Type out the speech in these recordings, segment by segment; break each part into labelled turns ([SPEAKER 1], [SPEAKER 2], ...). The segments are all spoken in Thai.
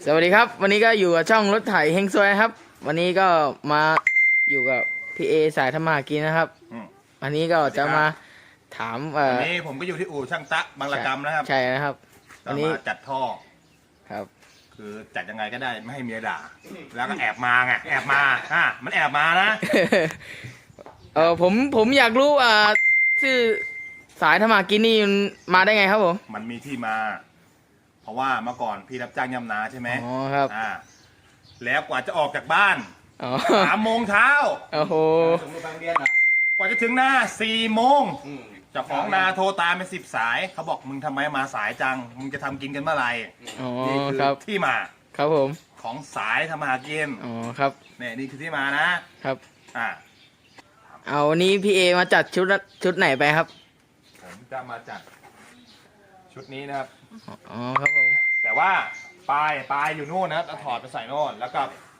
[SPEAKER 1] สวัสดีครับวันนี้ก็อยู่กับช่องรถไถเฮงซวยครับวันนี้ก็มาอยู่กับพี่เอสายธรรมากินนะครับวันนี้ก็จะมาถาม
[SPEAKER 2] วันนี้ผมก็อยู่ที่อู่ช่างตะบางระกำนะครับ
[SPEAKER 1] ใช่นะครับ
[SPEAKER 2] วันนี้จัดท่อ
[SPEAKER 1] ครับ
[SPEAKER 2] คือจัดยังไงก็ได้ไม่ให้เมียด่าแล้วก็แอบมาไงแอบมามันแอบมานะ
[SPEAKER 1] ผมอยากรู้ชื่อสายธรรมากินนี่มาได้ไงครับผม
[SPEAKER 2] มันมีที่มา เพราะว่าเมื่อก่อนพี่รับจ้างยำนาใช่ไหม
[SPEAKER 1] อ๋อครับ
[SPEAKER 2] แล้วกว่าจะออกจากบ้าน3 โมงเช้า
[SPEAKER 1] โอ้โห
[SPEAKER 2] กว่าจะถึงนา4 โมงเจ้าของนาโทรตามไป10 สายเขาบอกมึงทำไมมาสายจังมึงจะทำกินกันเมื่อไหร่นี่คือที่มา
[SPEAKER 1] ครับผม
[SPEAKER 2] ของสายทำมาหากิน
[SPEAKER 1] อ๋อครับ
[SPEAKER 2] นี่คือที่มานะครับ
[SPEAKER 1] เอาวันนี้พี่เอมาจัดชุดไหนไปครับ
[SPEAKER 2] ผมจะมาจัดชุดนี้นะครับ
[SPEAKER 1] อ๋อครับผม
[SPEAKER 2] แต่ว่าปลายอยู่นู่นนะครับถอดไปใส่โน่นแล้วก็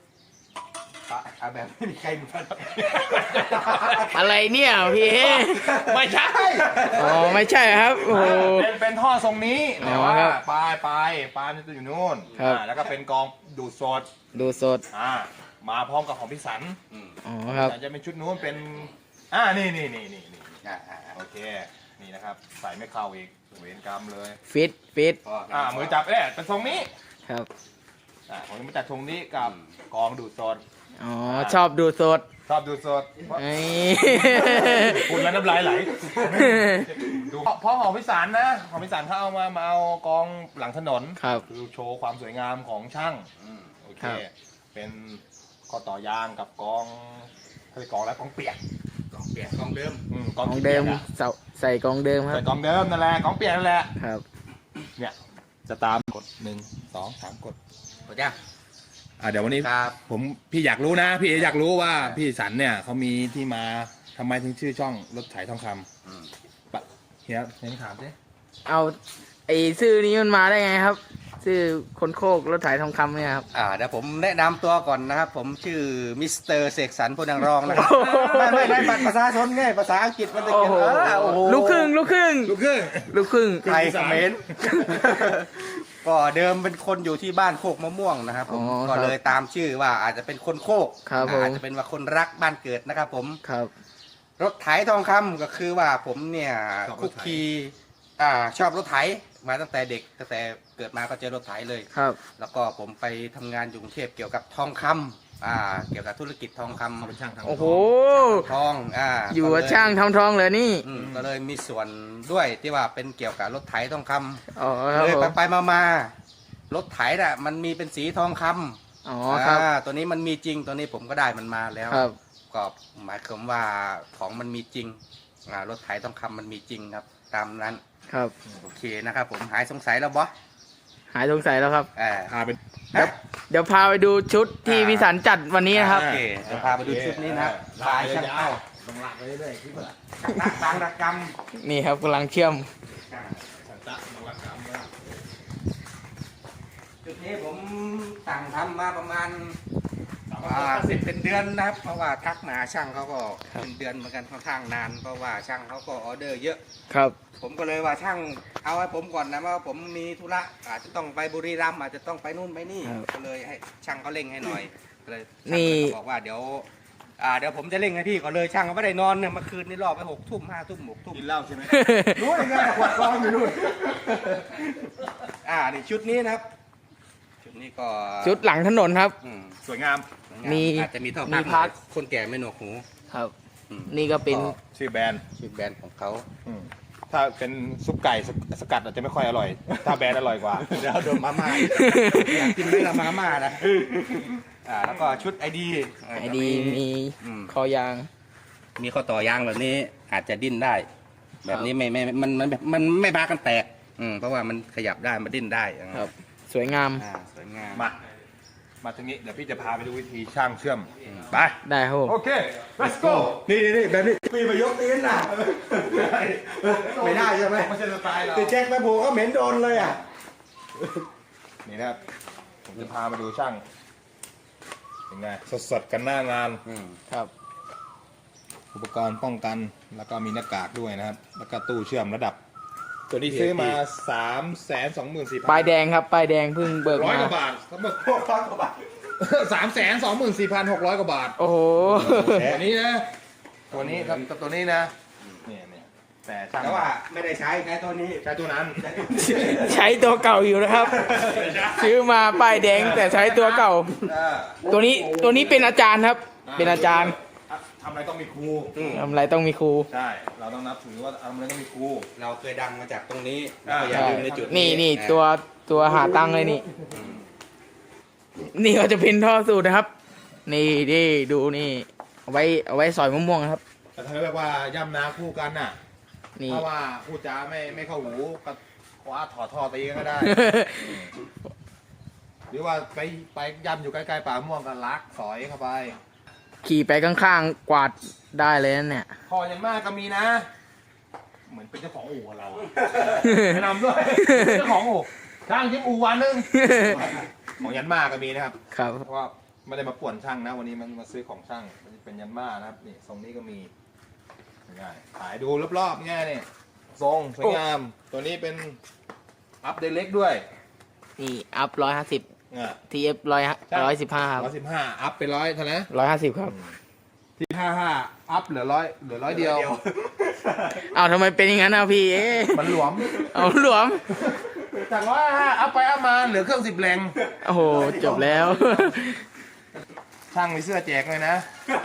[SPEAKER 2] แบบไม่มีใครดู
[SPEAKER 1] อะไรเนี่ยพี่เอ
[SPEAKER 2] ไม่ใช่
[SPEAKER 1] อ๋อไม่ใช่ครับโอ้
[SPEAKER 2] เป็นท่อทรงนี้แต่ว่าปลายมันจะอยู่นู่นแล้วก็เป็นกองดูดสดมาพร้อมกับของพี่สัน
[SPEAKER 1] อ๋อครับ
[SPEAKER 2] จะเป็นชุดนู้นเป็นนี่โอเคนี่นะครับใส่ไม่เข้าอีกเวรกรรมเลย
[SPEAKER 1] ฟิต
[SPEAKER 2] มือจับเนี่ยเป็นทรงนี้
[SPEAKER 1] ครับ
[SPEAKER 2] ผมจะมาจัดทรงนี้กับกองดูดสด
[SPEAKER 1] อ๋อชอบดูดสด
[SPEAKER 2] คุณแล้วน้ำลายไหลดูเพราะของพิสารนะของพิสารเขาเอามาเอากองหลังถนนคือโชว์ความสวยงามของช่างโอเคเป็นข้อต่อยางกับกองกองแล้วกองเปียกกองเดิม
[SPEAKER 1] กองเดิมใส่กองเดิมครับ
[SPEAKER 2] ใส่กองเดิมนั่นแหละกองเปียกนั่นแหละ
[SPEAKER 1] ครับ
[SPEAKER 2] เนี่ยจะตามกด1 2 3กด
[SPEAKER 1] จ้ะ
[SPEAKER 2] เดี๋ยววันนี้พี่อยากรู้นะพี่เออยากรู้ว่าพี่สันเนี่ยเขามีที่มาทำไมถึงชื่อช่องรถไถทองคำเฮียถามสิ
[SPEAKER 1] เอาไอ้ชื่อนี้มันมาได้ไงครับชื่อคนโคกรถไถทองคำเนี่ยครับ
[SPEAKER 3] เดี๋ยวผมแนะนำตัวก่อนนะครับผมชื่อมิสเตอร์เสกสรรพนังรองนะครับไม่ได้บัตรประชาชนไงภาษาอังกฤษมันจะเขียน
[SPEAKER 1] ลูกครึ่ง
[SPEAKER 3] ไทยเขมรก็เดิมเป็นคนอยู่ที่บ้านโคกมะม่วงนะครับผมก็เลยตามชื่อว่าอาจจะเป็นคนโคกอาจจะเป็นว่าคนรักบ้านเกิดนะครับผมรถไถทองคำก็คือว่าผมเนี่ยคุกคีชอบรถไถมาตั้งแต่เด็กตั้งแต่เกิดมาก็เจอรถไถเลยแล้วก็ผมไปทำงานอยู่กรุงเทพเกี่ยวกับทองคำเกี่ยวกับธุรกิจทองคำ
[SPEAKER 2] เป็นช่างทำ
[SPEAKER 1] โอ้โห
[SPEAKER 3] ทอง
[SPEAKER 1] อยู่กับช่างทำทองเลยนี่
[SPEAKER 3] ก็เลยมีส่วนด้วยที่ว่าเป็นเกี่ยวกับรถไถทองคำเลยไปมารถไถน่ะมันมีเป็นสีทองคำตัวนี้มันมีจริงตัวนี้ผมก็ได้มันมาแล้วก็หมายความว่าของมันมีจริงรถไถทองคำมันมีจริงครับตามนั้น
[SPEAKER 1] ครับ
[SPEAKER 3] โอเคนะครับผมหายสงสัยแล้วบอส
[SPEAKER 1] หายสงสัยแล้วครับ
[SPEAKER 2] พาไป
[SPEAKER 1] เดี๋ยวพาไปดูชุดที่พิสันจัดวันนี้นะครับ
[SPEAKER 3] โอเคเดี๋ยวพาไปดูชุดนี้นะลายช่างเอ้า
[SPEAKER 2] ลงหลักไปเรื่อยๆที่ว่า
[SPEAKER 3] บางระก
[SPEAKER 1] ำนี่ครับกำลังเชื่อม
[SPEAKER 3] ชุดนี้ผมสั่งทำมาประมาณเป็นเดือนนะครับเพราะว่าทักหนาช่างเขาก็เป็นเดือนเหมือนกันค่อนข้างนานเพราะว่าช่างเขาก็ออเดอร์เยอะ
[SPEAKER 1] ครับ
[SPEAKER 3] ผมก็เลยว่าช่างเอาให้ผมก่อนนะว่าผมมีธุระอาจจะต้องไปบุรีรัมย์อาจจะต้องไปนู่นไปนี่ก็เลยให้ช่างเขาเร่งให้หน่อยเลยนี่บอกว่าเดี๋ยวผมจะเร่งให้พี่ก็เลยช่างเขาไม่ได้นอนเนี่ยเมื่อคืนนี้รอไป6 ทุ่ม5 ทุ่ม6 ทุ่ม
[SPEAKER 2] กินเหล้าใช่ไหม
[SPEAKER 3] รู้ได้ไงขวดกองอยู่นู่นนี่ชุดนี้นะครับชุดนี้ก็
[SPEAKER 1] ชุดหลังถนนครับ
[SPEAKER 2] สวยงาม
[SPEAKER 3] อาจจะมีท่อพักคนแก่ไม่หนวกหู
[SPEAKER 1] ครับนี่ก็เป็น
[SPEAKER 2] ชื่อแบรน
[SPEAKER 3] ด์ของเขา
[SPEAKER 2] ถ้าเป็นซุปไก่สกัดอาจจะไม่ค่อยอร่อยถ้าแบรนด์อร่อยกว่า
[SPEAKER 3] เดี๋ยวโดนมาม่าอยากกินไม่ละมาม่านะแล้วก็ชุดไอดี
[SPEAKER 1] มีคอยาง
[SPEAKER 3] มีข้อต่อยางแบบนี้อาจจะดิ้นได้แบบนี้มันไม่บากันแตกเพราะว่ามันขยับได้มันดิ้นได้
[SPEAKER 1] ครับสวยงาม
[SPEAKER 2] มาทางนี้เดี๋ยวพี่จะพาไปดูวิธีช่างเชื่อมไป
[SPEAKER 1] ได้ครับ
[SPEAKER 2] โอเค let's go
[SPEAKER 3] นี่แบบนี้ปีมายกตีนน่ะไม่ได้ใช่ไหม
[SPEAKER 2] ไม่ใช่สไตล์เรา
[SPEAKER 3] ตีแจ็คไปโผล่ก็เหม็นโดนเลย
[SPEAKER 2] นี่นะครับผมจะพามาดูช่างเป็นไงสดกันหน้างาน
[SPEAKER 1] ครับ
[SPEAKER 2] อุปกรณ์ป้องกันแล้วก็มีหน้ากากด้วยนะครับแล้วก็ตู้เชื่อมระดับตัวนี้ซื้อมา 324,000
[SPEAKER 1] ป้ายแดงครับป้ายแดงเพิ่งเบิก
[SPEAKER 2] ร้อย
[SPEAKER 1] มาก
[SPEAKER 2] ว่าบาททั้งหมด
[SPEAKER 3] 600 กว่าบาท
[SPEAKER 2] 324,600 กว่าบาท
[SPEAKER 1] โอ้โห
[SPEAKER 2] ตัวนี้นะ ตัวนี้ครับตัวนี้นะเนี่ยแต่ช่าง
[SPEAKER 3] แต่ว่าไม่ได้ใช้ตัวนี้
[SPEAKER 2] ใช้ตัวนั้น
[SPEAKER 1] ใช้ตัวเก่าอยู่นะครับ ซื้อมาป้ายแดงแต่ใช้ตัวเก่า ตัวนี้เป็นอาจารย์ครับ เป็นอาจารย์
[SPEAKER 2] ทำอะไรต้องมีครู
[SPEAKER 1] ทำอะไรต้องมีครู
[SPEAKER 2] ใช่ เราต้องนับถือว่าทำอะไรต้องมีครู
[SPEAKER 3] เราเคยดังมาจากตรงนี้
[SPEAKER 2] อ่า
[SPEAKER 3] ก็อย่าลืมในจุด
[SPEAKER 1] นี่ตัวหาตังค์เลยนี่ นี่ก็จะเป็นท่อสูตรนะครับ นี่ดูนี่เอาไว้สอยมะม่วงครับ
[SPEAKER 2] แต่ถ้าเรียกว่าย่ำนาคู่กันน่ะ
[SPEAKER 1] นี่
[SPEAKER 2] ถ้าว่าพูดจาไม่เข้าหูก็คว้าถอดท่อตีกันก็ได้ หรือว่าไปย่ำอยู่ใกล้ๆป่าม่วงกันลักสอยเข้าไป
[SPEAKER 1] ขี่ไปข้างๆกวาดได้เลยนั่นเนี่ย
[SPEAKER 2] พออย่างมากก็มีนะ เหมือนเป็นเจ้าของอู่กับเราอะแนะนำด้วย เจ้าของอู่ช่างที่อู่วันหนึงของยันมาก็มีนะครับ
[SPEAKER 1] ครับ
[SPEAKER 2] เพราะว่าไม่ได้มาป่วนช่างนะ วันนี้มันมาซื้อของช่างมันเป็นยันมานะครับนี่ทรงนี้ก็มีง่ายถ่ายดูรอบๆง่ายนี่ทรงสวยงาม ตัวนี้เป็นอัพเดเล็กด้วย
[SPEAKER 1] นี่อัพ150
[SPEAKER 2] อ่ะ
[SPEAKER 1] TF 115ครับ
[SPEAKER 2] 115อัพเป็น100เท่านั้น
[SPEAKER 1] 150ครับ
[SPEAKER 2] ที่55อัพเหลือ100เดียว
[SPEAKER 1] อ้าวทำไมเป็นอย่างนั้นนะพี่เอ๊ะ
[SPEAKER 2] มันหลวม
[SPEAKER 1] เอาหลวม
[SPEAKER 2] จาก155อัพไปอัพมาเหลือเครื่อง10แรง
[SPEAKER 1] โอ้โหจบแล้ว
[SPEAKER 2] ช่างมีเสื้อแจกเลยนะ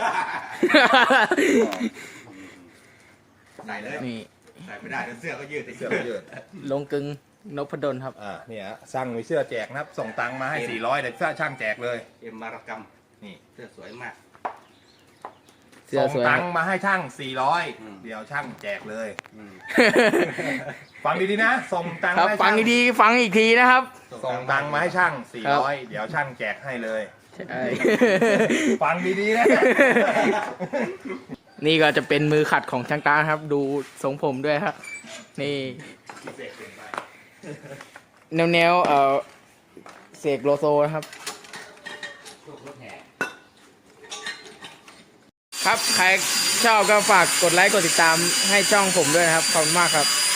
[SPEAKER 3] ใส่เลย
[SPEAKER 1] นี่
[SPEAKER 3] ใส่ไม่ได้เดี๋ยวเสื้อก็ยืด
[SPEAKER 2] เสื้อยืด
[SPEAKER 1] ลงกึงนพดลครับ
[SPEAKER 2] เนี่ยช่างมีเสื้อแจกนะครับ ส่งตังค์มาให้400เดี๋ยวช่างแจกเลย
[SPEAKER 3] เอ็มมารกรรม
[SPEAKER 2] นี่
[SPEAKER 3] เสื้อสวยมาก
[SPEAKER 1] เสื้อ
[SPEAKER 2] ส่ง
[SPEAKER 1] สวย
[SPEAKER 2] ตังค์มาให้ช่าง
[SPEAKER 3] อืม
[SPEAKER 2] 400เดี๋ยวช่างแจกเลย
[SPEAKER 3] อืม
[SPEAKER 2] ฟังดีๆนะ ส่งตังค์
[SPEAKER 1] ครับ
[SPEAKER 2] มาให้
[SPEAKER 1] ฟัง
[SPEAKER 2] ช่าง
[SPEAKER 1] ดีๆฟังอีกทีนะครับ
[SPEAKER 2] ส่งตังค์มาให้ช่าง
[SPEAKER 1] ครับ
[SPEAKER 2] 400เดี๋ยวช่างแจกให้เลย
[SPEAKER 1] ใช่
[SPEAKER 2] ฟังดีๆนะ
[SPEAKER 1] นี่ก็จะเป็นมือขัดของช่างตาครับ ดูทรงผมด้วยครับ นี่ แนวเสกโลโซนะครับ ครับ ใครชอบก็ฝากกดไลค์กดติดตามให้ช่องผมด้วยนะครับ ขอบคุณมากครับ